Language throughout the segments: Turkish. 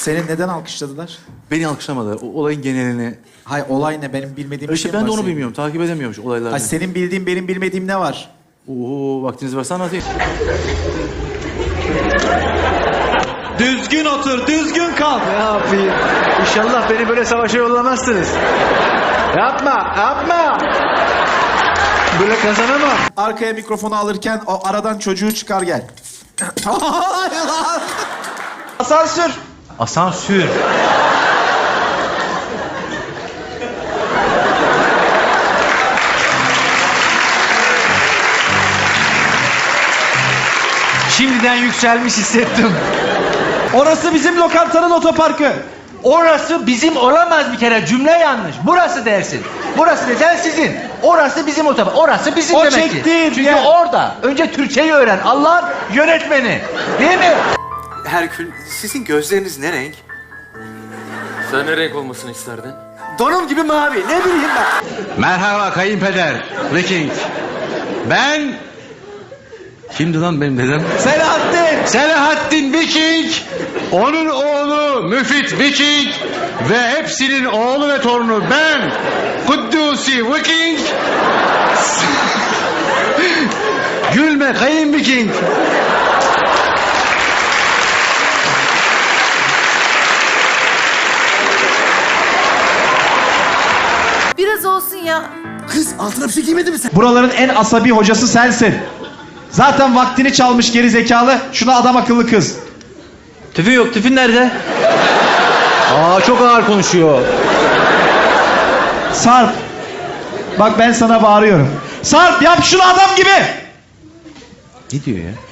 Seni neden alkışladılar? Beni alkışlamadı. O olayın genelini. Hay olay ne? Benim bilmediğim bir İşte şey mi ben de var onu senin? bilmiyorum. Takip edemiyormuş olayları. Hay senin bildiğin benim bilmediğim ne var? Oo, vaktiniz varsa anlatayım. Düzgün otur, düzgün kalk. Ne yapayım? İnşallah beni böyle savaşa yollamazsınız. Yapma, yapma. Böyle kazanamam. Arkaya mikrofonu alırken o aradan çocuğu çıkar gel. Hayır lan! Asansör. Asansör. Şimdiden yükselmiş hissettim. Orası bizim lokantanın otoparkı. Orası bizim olamaz bir kere, cümle yanlış. Burası dersin. Burası desen sizin. Orası bizim otopark. Orası bizim O demek ki. çektiğin Çünkü yer. orada önce Türkçeyi öğren. Allah'ın yönetmeni. Değil mi? Herkül, sizin gözleriniz ne renk? Sen ne renk olmasını isterdin? Donum gibi mavi, ne bileyim ben. Merhaba kayınpeder. Viking. Ben... Kimdi lan benim dedem? Selahattin. Selahattin Viking. Onun oğlu Müfit Viking. Ve hepsinin oğlu ve torunu ben. Kuddusi Viking. Gülme kayın Viking. Biraz olsun ya. Kız altına bir şey giymedi mi sen? Buraların en asabi hocası sensin. Zaten vaktini çalmış geri zekalı. Şuna adam akıllı kız. Tüfün yok. Tüfün nerede? Aa, çok ağır konuşuyor. Sarp. Bak ben sana bağırıyorum. Sarp yap şunu adam gibi. Ne diyor ya?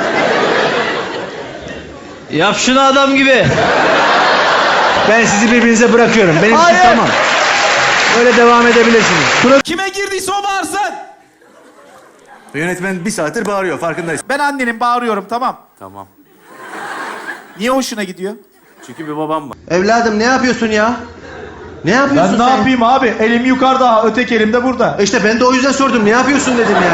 Yap şunu adam gibi. Ben sizi birbirinize bırakıyorum. Benim için Hayır. tamam. Öyle devam edebilirsiniz. Kime girdiyse o bağırsın. Yönetmen bir saattir bağırıyor, farkındayız. Ben annenim bağırıyorum tamam. Tamam. Niye hoşuna gidiyor? Çünkü bir babam var. Evladım ne yapıyorsun ya? Ne yapıyorsun Ben ne yapayım abi? Elim yukarıda, öteki elim de burada. İşte ben de o yüzden sordum. Ne yapıyorsun dedim yani.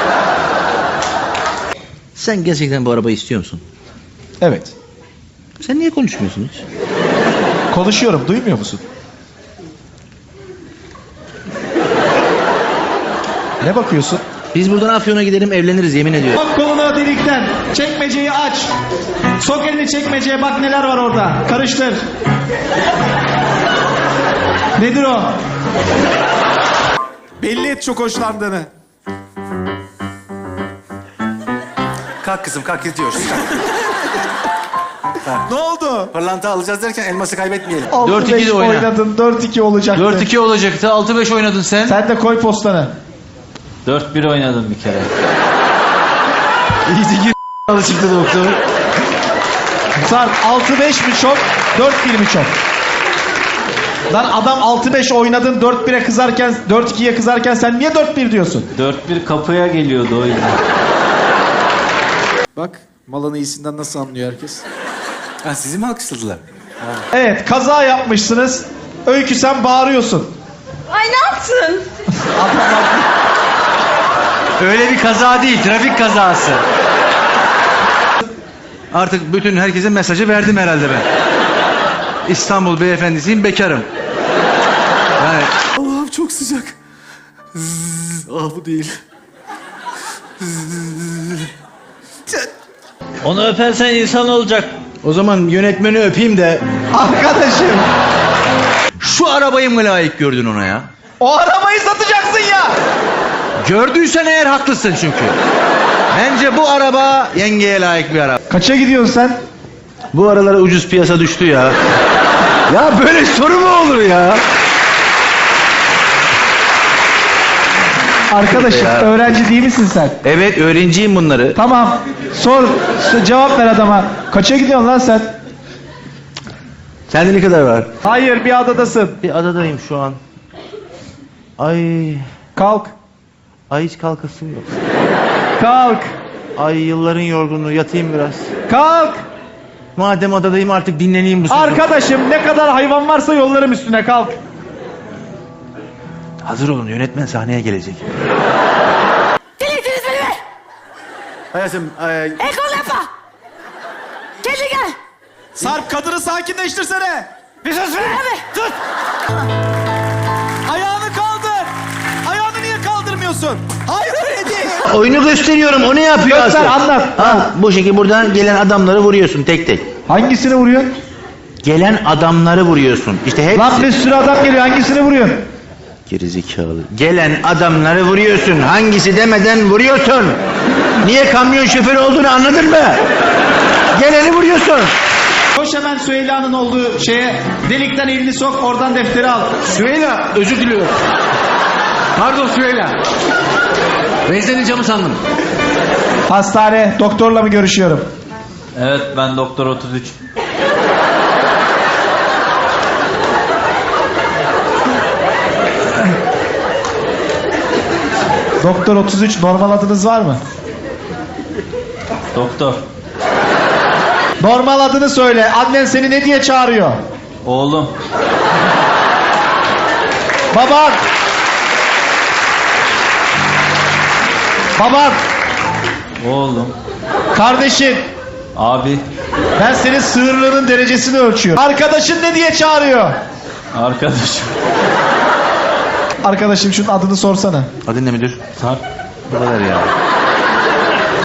Sen gerçekten bu arabayı istiyor musun? Evet. Sen niye konuşmuyorsun hiç? Konuşuyorum, duymuyor musun? Ne bakıyorsun? Biz buradan Afyon'a gidelim, evleniriz, yemin ediyorum. Bak kolunu delikten. Çekmeceyi aç. Sok elini çekmeceye, bak neler var orada. Karıştır. Nedir o? Belli et çok hoşlandığını. Kalk kızım, kalk gidiyoruz. Ne oldu? Pırlanta alacağız derken elması kaybetmeyelim. 4-2 de 6-5 oyna. oynadın, 4-2 olacaktı. 4-2 olacaktı. 6-5 oynadın sen. Sen de koy postanı. 4-1 oynadın bir kere. İyice gir çıktı doktor. Sarp 6-5 mi çok, 4-1 mi çok? Lan adam 6-5 oynadın, 4-1'e kızarken, 4-2'ye kızarken sen niye 4-1 diyorsun? 4-1 kapıya geliyordu o yüzden. Bak malın iyisinden nasıl anlıyor herkes? Ha, sizi mi alkışladılar? Evet, kaza yapmışsınız. Öykü sen bağırıyorsun. Ay ne yaptın? Öyle bir kaza değil, trafik kazası. Artık bütün herkese mesajı verdim herhalde ben. İstanbul beyefendisiyim, bekarım. Yani... Allah'ım çok sıcak. Ah bu değil. Onu öpersen insan olacak. O zaman yönetmeni öpeyim de Arkadaşım, şu arabayı mı layık gördün ona ya? o arabayı satacaksın ya. Gördüysen eğer haklısın çünkü. Bence bu araba yengeye layık bir araba. Kaça gidiyorsun sen? Bu aralara ucuz piyasa düştü ya. Ya böyle soru mu olur ya? Arkadaşım, Ya. öğrenci değil misin sen? Evet, öğrenciyim bunları. Tamam, cevap ver adama. Kaça gidiyorsun lan sen? Sende ne kadar var? Hayır, bir adadasın. Bir adadayım şu an. Ay, Kalk, hiç kalkasım yok. kalk, Ay yılların yorgunluğu, yatayım biraz. kalk. Madem adadayım artık dinleneyim bu sefer. Arkadaşım, ne kadar hayvan varsa yollarım üstüne, kalk. Hazır olun, yönetmen sahneye gelecek. Delirtiniz beni be! Hayatım, El kol yapma! Kendi gel! Sarp kadını sakinleştirsene. Bir sus be. Tut. Ayağını kaldır. Ayağını niye kaldırmıyorsun? Hayır öyle değil. Oyunu gösteriyorum. O ne yapıyor Göster, aslında? anlat. Ha, bu şekilde buradan gelen adamları vuruyorsun tek tek. Hangisini vuruyorsun? Gelen adamları vuruyorsun. İşte hepsi. Lan bir sürü adam geliyor. Hangisini vuruyorsun? Gerizekalı. Gelen adamları vuruyorsun. Hangisi demeden vuruyorsun. Niye kamyon şoförü olduğunu anladın mı? Geleni vuruyorsun. Koş hemen Süheyla'nın olduğu şeye. Delikten elini sok. Oradan defteri al. Süheyla özür diliyorum. Pardon Süheyla. Ben senin camı sandım. Hastane. Doktorla mı görüşüyorum? Evet ben Doktor 33. Doktor 33. Normal adınız var mı? Doktor. Normal adını söyle. Annen seni ne diye çağırıyor? Oğlum. Baban. Baban. Oğlum. Kardeşin. Abi. Ben senin sığırlığının derecesini ölçüyorum. Arkadaşın ne diye çağırıyor? Arkadaşım. Arkadaşım şunun adını sorsana. Adın ne müdür? Sarp. Bu kadar ya.